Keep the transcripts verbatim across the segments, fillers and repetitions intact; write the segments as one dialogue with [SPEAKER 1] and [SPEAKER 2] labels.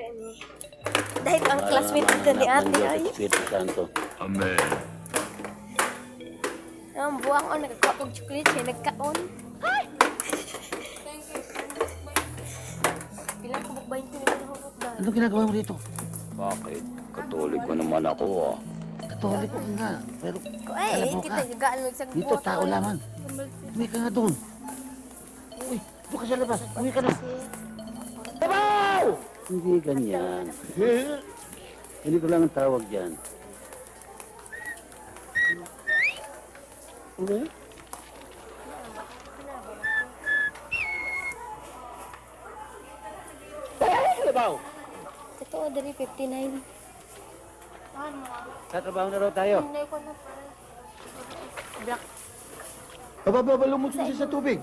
[SPEAKER 1] ni. Dahil ang classmate ko ni ate ay.
[SPEAKER 2] Espiritu Santo.
[SPEAKER 3] Amen.
[SPEAKER 1] Ang buwang ko nagkakuha kong chocolate siya nagkaon. Ay! Pilang ko bukbayin ko nito ng hukok dahil.
[SPEAKER 2] Anong ginagawa mo dito?
[SPEAKER 3] Bakit? Katoliko naman ako ah.
[SPEAKER 2] Katoliko ka nga. Pero
[SPEAKER 1] Ay,
[SPEAKER 2] alam mo
[SPEAKER 1] kita
[SPEAKER 2] ka,
[SPEAKER 1] gagaan mo sa
[SPEAKER 2] dito tao lamang. Uwi ka nga doon. Uy, doon ka sa labas. Uwi ka na. Tabaw! Hindi ganyan. Hindi ko lang ang tawag dyan. Okay? Tabaw!
[SPEAKER 1] Totoo, dari fifty-nine.
[SPEAKER 2] Tatrabaho na raw tayo.
[SPEAKER 1] Hindi ko na pala. Black.
[SPEAKER 4] Bababalo mo siya sa tubig.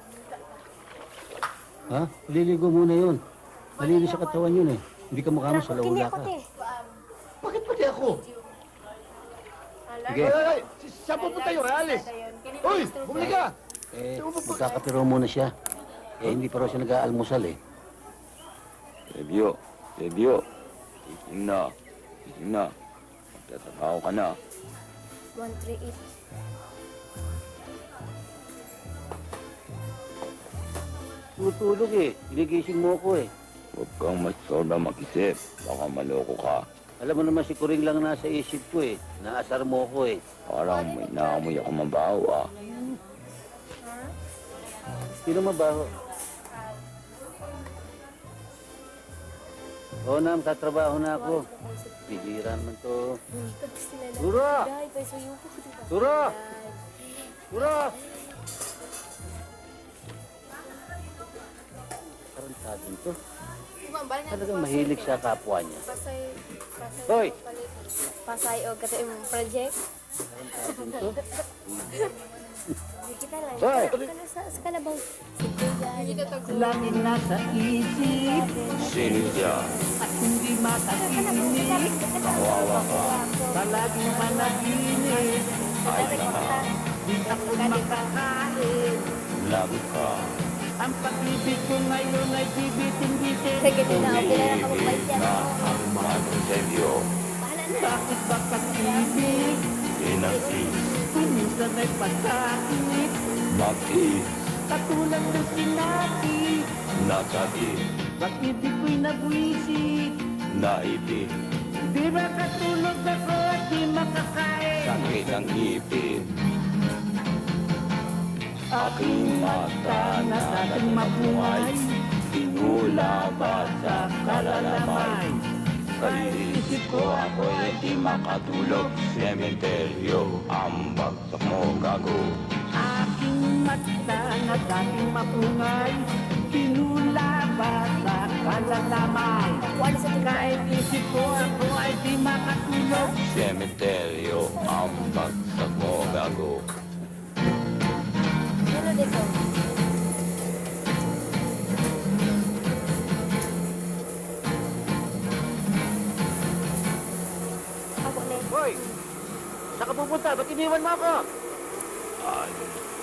[SPEAKER 2] Ha? Liligo muna yun. Malinis sa katawan yun eh. Hindi ka mukha mo sa
[SPEAKER 1] Kini
[SPEAKER 2] lawla
[SPEAKER 1] ako,
[SPEAKER 2] ka.
[SPEAKER 1] te.
[SPEAKER 4] Bakit pati ako?
[SPEAKER 2] Sige.
[SPEAKER 4] Ay, ay, ay! Saan pupunta yun? Alis! Uy! Bumili ka!
[SPEAKER 2] Eh, magkakapiro muna siya. Eh, hindi pa raw siya nag-aalmusal eh.
[SPEAKER 3] Sebyo, Sebyo. Gising na. Gising na. Magtatrabaho ka na.
[SPEAKER 1] one three eight.
[SPEAKER 2] Tutulog eh. Inigising mo ko eh.
[SPEAKER 3] Huwag kang masoba mag-isip. Baka maloko ka.
[SPEAKER 2] Alam mo naman si Kuring lang nasa isip ko eh. Naasar mo ko eh.
[SPEAKER 3] Parang may naamoy ako mabaho ah.
[SPEAKER 2] Sino mabaho? Oo na, tatrabaho na ako. Bihira naman to. Dura! Dura! Dura! Tarantadin to. Talagang mahilig sa kapwa niya.
[SPEAKER 1] Pasay, pasay.
[SPEAKER 2] Hoy!
[SPEAKER 1] Pasay o kata imong project.
[SPEAKER 2] Tarantadin to.
[SPEAKER 1] Di kita lang.
[SPEAKER 2] Hoy!
[SPEAKER 1] Kana sa sa kalabaw. Si Kuya.
[SPEAKER 5] Laging nasa isip
[SPEAKER 3] Sino siya?
[SPEAKER 5] at hindi makakinig.
[SPEAKER 3] Kawawa ka.
[SPEAKER 5] Palaging managinip,
[SPEAKER 3] Ay naman.
[SPEAKER 5] di ako makakain.
[SPEAKER 3] Lago ka.
[SPEAKER 5] Ang pag-ibig ko ngayon ay bibitin-bitin.
[SPEAKER 1] Sige na, okay na lang kapag yan.
[SPEAKER 3] na ang mga Sebyo.
[SPEAKER 1] Bahala na.
[SPEAKER 5] Bakit ba pag-ibig?
[SPEAKER 3] Pinag-is.
[SPEAKER 5] Minsan ay pagkakit.
[SPEAKER 3] Mag-is.
[SPEAKER 5] Katulad ng sinati.
[SPEAKER 3] Nasakit.
[SPEAKER 5] Pag-ibig ko'y nabwisit.
[SPEAKER 3] Naipit.
[SPEAKER 5] Di ba katulog ako at di makakain?
[SPEAKER 3] Sakit ang ipin. Aking mata na dating mabuhay. Tinulabat sa kalalamay. Sa isip ko ako'y di makatulog. Sementeryo ang bagsak mo gago.
[SPEAKER 5] Aking mata na dating mapungay, pinulabat sa kalalamay.
[SPEAKER 1] Wala sa tingin.
[SPEAKER 5] Kahit isip ko ako ay di makatulog.
[SPEAKER 3] Sementeryo ang bagsak mo gago.
[SPEAKER 1] Ano dito? Ako na.
[SPEAKER 2] Hoy! Saan ka pupunta? Ba't iniwan mo ako?
[SPEAKER 3] Ay,